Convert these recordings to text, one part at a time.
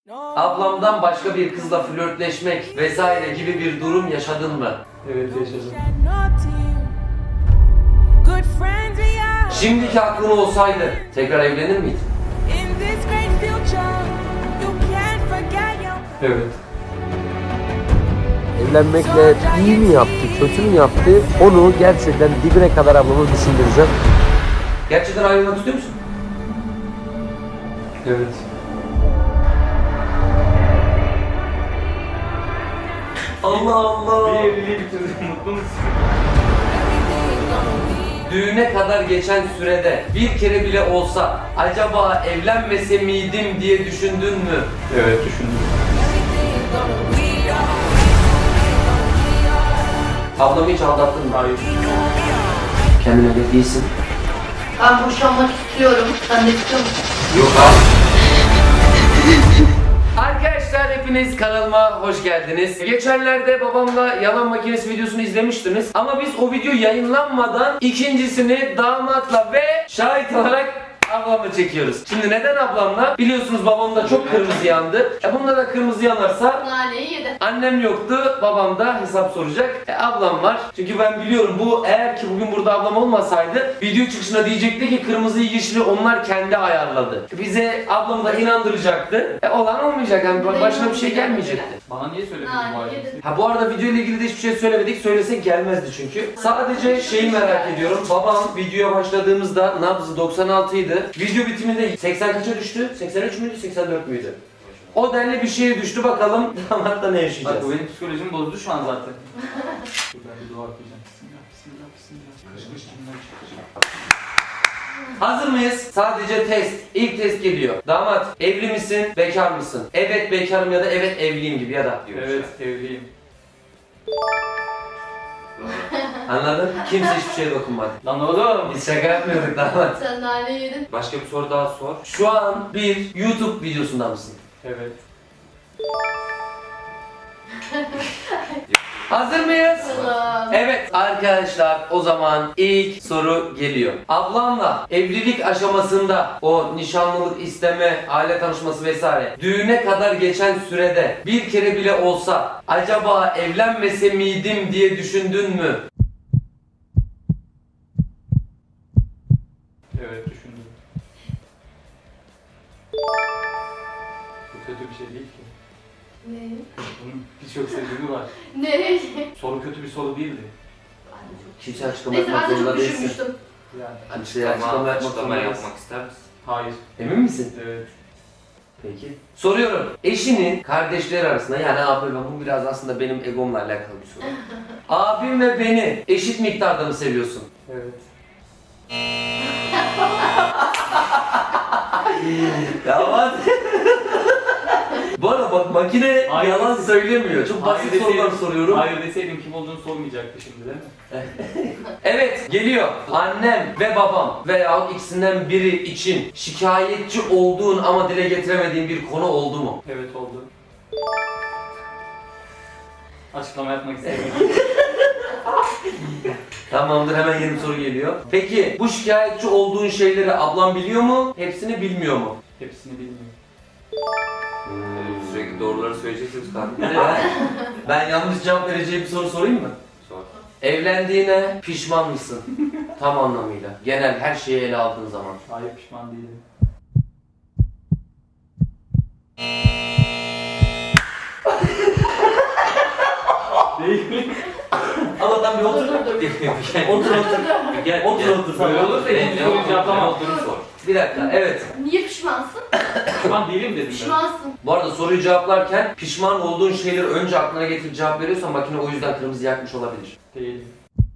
Ablamdan başka bir kızla flörtleşmek vesaire gibi bir durum yaşadın mı? Evet, yaşadım. Şimdiki aklın olsaydı tekrar evlenir miydin? Evet. Evlenmekle iyi mi yaptı, kötü mü yaptı? Onu gerçekten dibine kadar ablamı düşündüreceğim. Gerçekten ayrılmak istiyor musun? Evet. Allah Allah. Bir evliliği bitirdik. Mutlu musun? Düğüne kadar geçen sürede bir kere bile olsa acaba evlenmese miydim diye düşündün mü? Evet, düşündüm. Ablamı hiç aldattın mı? Hayır. Kendine de değilsin. Ben boşanmak istiyorum. Sen de istiyor musun? Yok abi. Arkadaşlar hepiniz kanalıma hoş geldiniz. Geçenlerde babamla yalan makinesi videosunu izlemiştiniz. Ama biz o video yayınlanmadan ikincisini damatla ve şahit olarak ablamla çekiyoruz. Şimdi neden ablamla? Biliyorsunuz babamda çok kırmızı yandı. Bunda da kırmızı yanarsa Naneyi yedi. annem yoktu, babam da hesap soracak. Ablam var. Çünkü ben biliyorum bu eğer ki bugün burada ablam olmasaydı video çıkışına diyecekti ki kırmızıyı yeşili onlar kendi ayarladı. Bize ablamı da inandıracaktı. Olan olmayacak yani başına bir şey gelmeyecekti. Bana niye söylemedin bu Naneyi ailesi? yedi. Ha bu arada video ile ilgili de hiçbir şey söylemedik. Söylesek gelmezdi çünkü. Sadece şeyi merak ediyorum. Babam videoya başladığımızda nabzı 96 idi. Video bitiminde 80 kaça düştü? 83 müydü? 84 müydü? O denli bir şeye düştü bakalım. Damatta ne Bak yaşayacağız? bu benim psikolojimi bozdu şu an zaten. Dur ben bir dua okuyacağım. Bismillah, bismillah, bismillah. Kış kış kimden çıkacak? Hazır mıyız? Sadece test. İlk test geliyor. Damat evli misin? Bekar mısın? Evet bekarım ya da evet evliyim gibi ya da diyor. Evet, evliyim. Anladın? Kimse hiçbir şeye dokunmadı. Lan oğlum! Biz şaka yapmıyorduk damat. Sen naneyi yedin. Başka bir soru daha sor. Şu an bir YouTube videosunda mısın? Evet. Hazır mıyız? Allah'ım. Evet arkadaşlar o zaman ilk soru geliyor. Ablamla evlilik aşamasında o nişanlılık isteme, aile tanışması vesaire düğüne kadar geçen sürede bir kere bile olsa acaba evlenmese miydim diye düşündün mü? Evet, düşündüm. Bu kötü bir şey değil ki. Ne? Bunun birçok sebebi var. Ne? Soru kötü bir soru değildi. Kimse açıklama Neyse yapmak ben de zorunda çok değilsin. düşünmüştüm. Yani. Hani şey açıklama yapmak zorunda değilsin. ister misin? Hayır. Emin misin? Evet. Peki. Soruyorum. Eşinin kardeşleri arasında yani abi ben bu biraz aslında benim egomla alakalı bir soru. Abim ve beni eşit miktarda mı seviyorsun? Evet. Ya hadi. Bu arada bak makine Hayır. yalan söylemiyor. Çok basit Hayır sorular deseydim- soruyorum. Hayır deseydim kim olduğunu sormayacaktı şimdi değil mi? Evet geliyor. Annem ve babam veya ikisinden biri için şikayetçi olduğun ama dile getiremediğin bir konu oldu mu? Evet oldu. Açıklama yapmak istemiyorum. Tamamdır hemen yeni bir soru geliyor. Peki bu şikayetçi olduğun şeyleri ablam biliyor mu? Hepsini bilmiyor mu? Hepsini bilmiyorum. Sürekli doğruları söyleyeceksiniz kanka. Ben yanlış cevap vereceğim bir soru sorayım mı? Sor. Evlendiğine pişman mısın? Tam anlamıyla. Genel her şeyi ele aldığın zaman. Hayır, pişman değilim. Değil. Allah'tan bir otur. Otur otur. Gel, Otur, otur, Böyle tamam. olursa ikinci soruyu cevaplamam. Olduğunu sor. Bir dakika evet. Niye pişmansın? Pişman değilim dedim ben. Pişmansın. Bu arada soruyu cevaplarken pişman olduğun şeyleri önce aklına getirip cevap veriyorsan makine o yüzden kırmızı yakmış olabilir. Değilim.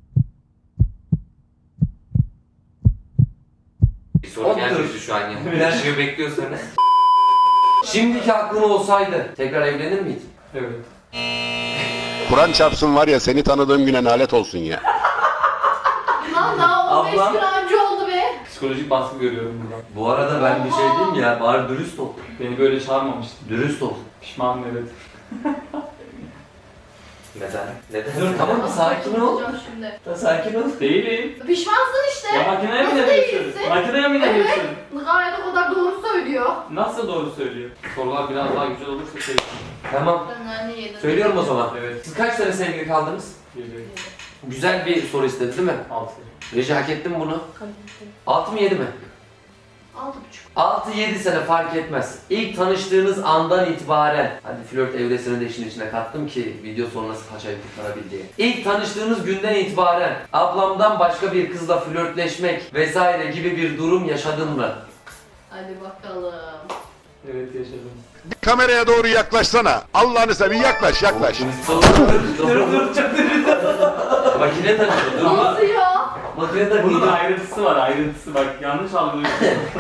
Bir soru Otur. gelmişti şu an ya. Her şeyi bekliyorsan. Şimdiki aklın olsaydı tekrar evlenir miydin? Evet. Kur'an çarpsın var ya seni tanıdığım güne nalet olsun ya. Lan daha 15 Ablam. gün önce oldu be. Psikolojik baskı görüyorum buradan. Bu arada ben bir şey diyeyim mi ya bari dürüst ol. Beni böyle çağırmamıştı. Dürüst ol. Pişmanım evet. Neden? Neden? Dur tamam bir sakin ol. Olacağım şimdi. Sakin ol. Değilim. Pişmansın işte. Ya makineye mi Nasıl inanıyorsun? değilsin? Makineye mi inanıyorsun? Gayet o kadar doğru söylüyor. Nasıl doğru söylüyor? Sorular biraz daha güzel olursa söyleyeyim. Tamam. Ben anne yedim. Söylüyorum o zaman. Evet. Siz kaç sene sevgili kaldınız? Geliyor. Güzel bir soru istedi değil mi? 6. Reji hak ettin mi bunu? 6 mı 7 mi? 6,5. 6-7 sene fark etmez. İlk tanıştığınız andan itibaren, hadi flört evresini de işin içine kattım ki video sonrası paçayı kurtarabil diye. İlk tanıştığınız günden itibaren ablamdan başka bir kızla flörtleşmek vesaire gibi bir durum yaşadın mı? Hadi bakalım. Evet yaşadım. Kameraya doğru yaklaşsana. Allah'ını seveyim yaklaş yaklaş. Dur çok Makine takıldı dur. Nasıl ya? Makine Bunun takıldı. ayrıntısı var, ayrıntısı. Bak yanlış algılıyorsun.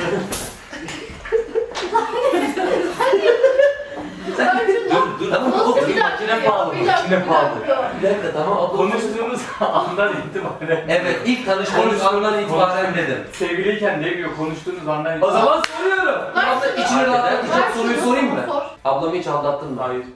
Dur tamam Nasıl otur. bir dakika Makine ya? pahalı. Bir dakika, Makine bir pahalı. dakika. Bir dakika tamam abla. Konuştuğumuz andan itibaren. Evet ilk tanıştığınız andan itibaren dedim. Sevgiliyken demiyor, konuştuğunuz andan O itibaren. zaman soruyorum. Ver Abla şunu. içini rahatlatacak Ver soruyu şunu, sorayım mı? sor. Ablamı hiç aldattın mı? Hayır.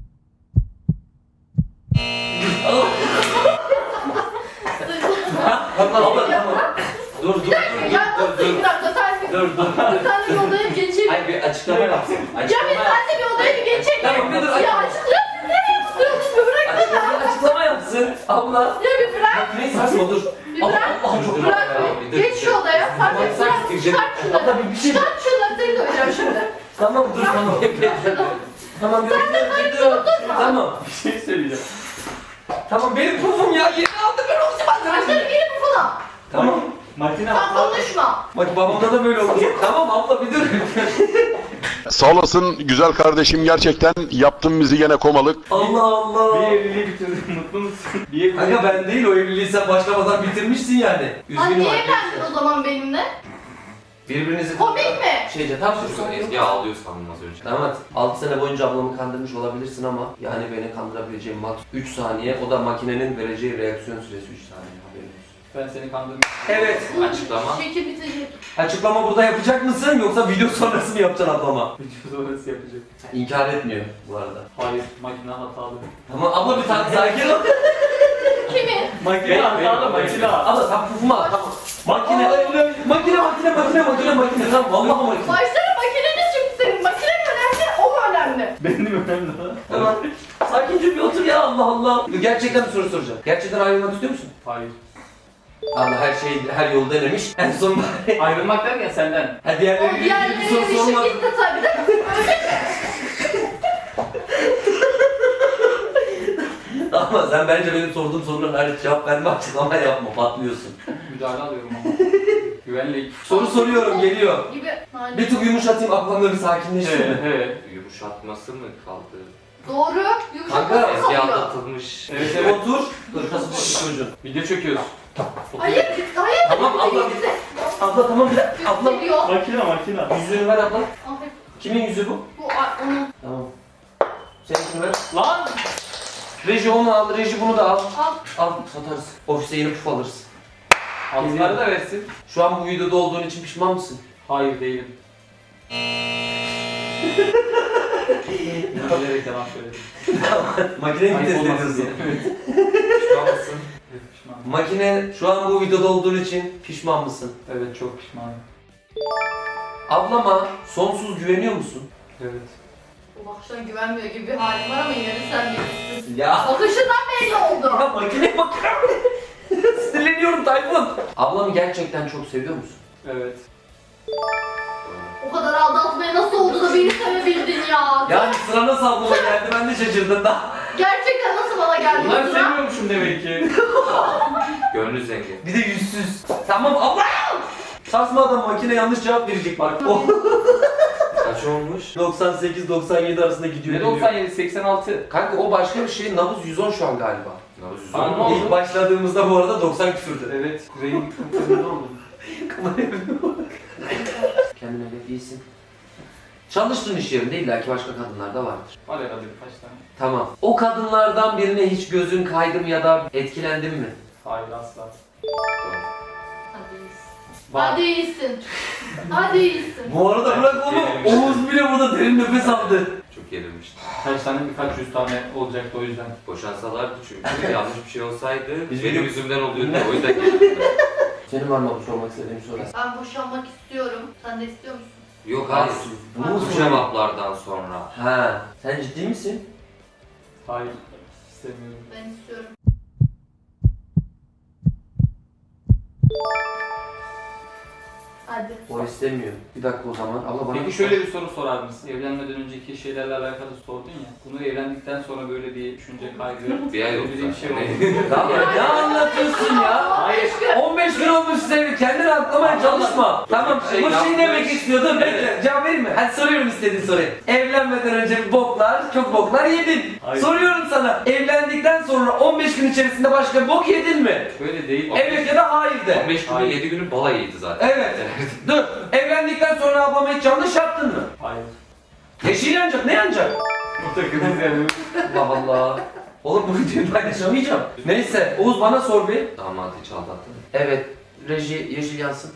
Abla tamam. Dur dur dur Ya dur nasıl bir dakika sen bir... dur dur. Sen de bir odaya bir geçeyim. Hayır bir açıklama yapsın. Ya bir Açıklama sen de bir odaya bir geçeyim. Tamam, bir dur, Ya açıklama. açıklıyorsun. Nereye tutuyorsun? Bir bırak beni. Açıklama yapsın. Abla. Ya bir bırak. Ne saçma dur. Bir Allah bırak. Allah çok Bırak dur. bir. Geç şu odaya. Sen de Sen bırak. gireceğim. Çıkart şunları. Abla bir şey. Çıkart şunları. Seni döveceğim şimdi. Tamam dur tamam. Tamam bir dur. Tamam. Bir şey söyleyeceğim. Tamam benim pufum ya. Yeni aldım ben onu Saçları geri bu falan. Tamam. Makine Sen hatalı. konuşma. Bak babamda da böyle oldu. Tamam abla bir dur. Sağ olasın güzel kardeşim gerçekten yaptın bizi gene komalık. Allah Allah. Bir evliliği bitirdin, mutlu musun? Bir evliliği... Kanka ben değil o evliliği sen başlamadan bitirmişsin yani. Sen Üzgünüm niye arkadaşlar. evlendin o zaman benimle? Birbirinizi... Komik mi? Şeyce tam şu Ezgi ağlıyor sandım az önce. Tamam 6 sene boyunca ablamı kandırmış olabilirsin ama yani beni kandırabileceğim max 3 saniye o da makinenin vereceği reaksiyon süresi 3 saniye haberin olsun. Ben seni kandırdım. Evet. Açıklama. Şekil bitecek. Açıklama burada yapacak mısın yoksa video sonrası mı yapacaksın ablama? Video sonrası yapacak. İnkar etmiyor bu arada. Hayır, makine hatalı. Tamam abla bir tane sakin ol. Kimi? Makine hatalı, makine hatalı. Abla sen pufuma al, tamam. Makine tamam vallahi makine. Başlara makineniz şimdi senin. Makine mi önemli, o mu önemli? Benim önemli olan. Tamam. Sakince bir otur ya Allah Allah. Gerçekten bir soru soracağım. Gerçekten ayrılmak istiyor musun? Hayır. Allah her yolu denemiş. En son Ayrılmak derken senden. ha O diğerleri bir soru diğerlerinin işi sorma. gitti tabii de. Ama sen bence benim sorduğum soruların hariç cevap verme açıklama yapma patlıyorsun. Müdahale alıyorum ama. Güvenlik. Soru soruyorum geliyor. Gibi. Hani Bir tık yumuşatayım aklımda bir sakinleşsin. Evet, evet. Yumuşatması mı kaldı? Doğru. Kanka, Yumuşak Ezgi kalıyor. aldatılmış. Evet, evet. Otur. Dur nasıl bir çocuğun. Video çekiyoruz. Hayır, hayır. Tamam, abla. Gitti. Abla tamam bir dakika. Abla. Geliyor. Makine. Yüzüğünü ver abla. Ay, Kimin yüzüğü bu? bu onun. Tamam. Seninkini ver. Lan! Reji onu al, reji bunu da al. Al. Al satarız. Ofise yeni puf alırız. Altınları da versin. Şu an bu videoda olduğun için pişman mısın? Hayır değilim. Bilerek yalan söyledim. Makineyi mi Ayıp test olmasın ediyorsun? diye. Evet. Pişman mısın? Evet, pişmanım. Makine şu an bu videoda olduğun için pişman mısın? Evet çok pişmanım. Ablama sonsuz güveniyor musun? Evet. Bu bakıştan güvenmiyor gibi bir halim var ama yine de sen bilirsin. Ya. Bakışından belli oldu. Ya makine bakar Sinirleniyorum Tayfun. Ablamı gerçekten çok seviyor musun? Evet. O kadar aldatmaya nasıl oldu da beni sevebildin ya? Yani sıra nasıl ablama geldi ben de şaşırdım da. Gerçekten nasıl bana geldi bu Bunları sıra? seviyormuşum demek ki. Gönlü zengin. Bir de yüzsüz. Tamam abla. Sarsma adam makine yanlış cevap verecek bak. O Kaç olmuş? 98-97 arasında gidiyor. Ne geliyor. 97, 86. Kanka o başka bir şey. Nabız 110 şu an galiba. Nabız yüzü Tamam, oldu. ne İlk oldu? başladığımızda bu arada 90 küsürdü. Evet. Kuzeyin kıpkırmızı oldu. Kendine bak iyisin. Çalıştığın iş yerinde illaki başka kadınlar da vardır. Var herhalde birkaç tane. Tamam. O kadınlardan birine hiç gözün kaydı mı ya da etkilendin mi? Hayır asla. Hadi iyisin. Var. Hadi iyisin. Hadi iyisin. Bu arada bırak onu. Oğuz bile burada derin nefes aldı. Çok çok gerilmiştim. Kaç tane birkaç yüz tane olacaktı o yüzden. Boşansalardı çünkü yanlış bir şey olsaydı Biz benim video- yüzümden oluyordu. O yüzden gerildim. Senin var mı bu sormak istediğim soru? Ben boşanmak istiyorum. Sen de istiyor musun? Yok hayır. Bunu mu Bu soruyorsun? cevaplardan sonra. Ha, sen ciddi misin? Hayır. İstemiyorum. Ben istiyorum. Hadi. O istemiyor. Bir dakika o zaman. Allah bana... Peki şöyle bir soru sorar mısın? Evlenmeden önceki şeylerle alakalı sordun ya. Bunu evlendikten sonra böyle bir düşünce kaygı, Bir ay oldu böyle bir şey zaten. oldu. Tamam, ne anlatıyorsun ya? Hayır. 15 gün olmuş size, kendini atlamaya çalışma. Tamam, Şey bu şey yapmış. demek istiyordu. Bekle, cevap vereyim mi? Hadi soruyorum istediğin soruyu. Evlenmeden önce bir boklar, çok boklar yedin. Hayır. Soruyorum sana, evlendikten sonra 15 gün içerisinde başka bir bok yedin mi? Böyle değil. Evet ya da hayır de. 15 günü Hayır. 7 günü balayıydı zaten. Evet. Dur, evlendikten sonra ablama hiç yanlış yaptın mı? Hayır. Yeşil yanacak, ne yanacak? Bu takınız yani. Allah Allah. Oğlum bu videoyu paylaşamayacağım. Neyse, Oğuz bana sor bir. Damat hiç aldattın mı? Evet, reji yeşil yansın.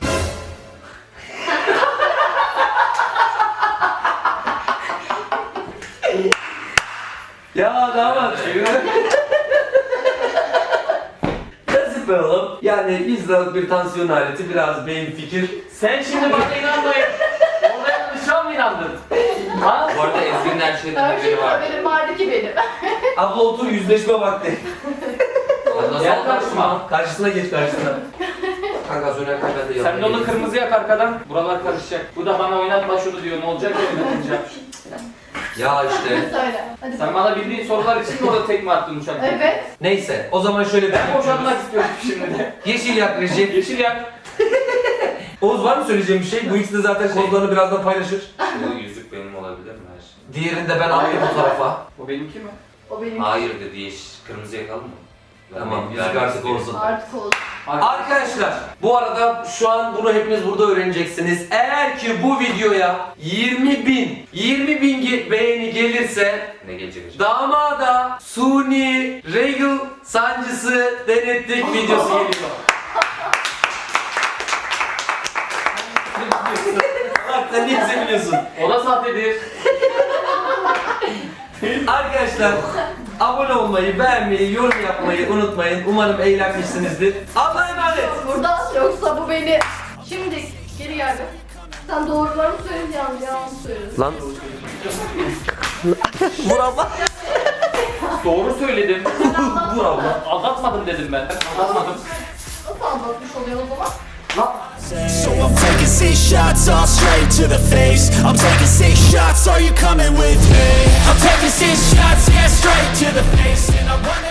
Ya damat. Nasıl be oğlum? Yani 100 liralık bir tansiyon aleti, biraz beyin fikir. Sen şimdi bana inanmayın. Ona yanlışa mı inandın? Ha? Bu arada Ezgi'nin her şeyden Her şeyden haberi var. haberim vardı ki benim. Abla otur, yüzleşme vakti. Nasıl Yaklaşma. Karşısına geç, karşısına. Kanka söylerken ben de Sen de onu kırmızı yak arkadan. Buralar karışacak. Bu da bana oynatma şunu diyor. Ne olacak oynatınca? Ya işte. Söyle. Hadi. Sen bana bildiğin sorular için mi orada tekme attın uçakta? Evet. Neyse, o zaman şöyle bir Ben boşanmak istiyorum şimdi de. Yeşil yak reji. Yeşil yak. Oğuz var mı söyleyeceğim bir şey? Bu ikisi de zaten kodlarını birazdan paylaşır. Bu yüzük benim olabilir mi her şey? Diğerini de ben alayım bu tarafa. O benimki mi? O benim. Hayır dedi yeşil. Kırmızı yakalım mı? Tamam, yüzük Vermek artık istiyorum. olsun. Artık oldu. Arkadaşlar, bu arada şu an bunu hepiniz burada öğreneceksiniz. Eğer ki bu videoya 20 bin beğeni gelirse Ne gelecek acaba? damada suni regl sancısı denettik videosu geliyor. Bak sen niye seviniyorsun? O da sahtedir. Arkadaşlar abone olmayı, beğenmeyi, yorum yapmayı unutmayın. Umarım eğlenmişsinizdir. Allah'a emanet. Burada yoksa bu beni... Şimdi geri gel be. Sen doğruları mı söyledin yalan mı söyledin? Lan. Vur abla. Doğru söyledim. Vur abla. Aldatmadım dedim ben. Aldatmadım. Nasıl anlatmış oluyor o zaman? So I'm taking 6 shots all straight to the face. I'm taking 6 shots, are you coming with me? I'm taking 6 shots, yeah, straight to the face. And I'm running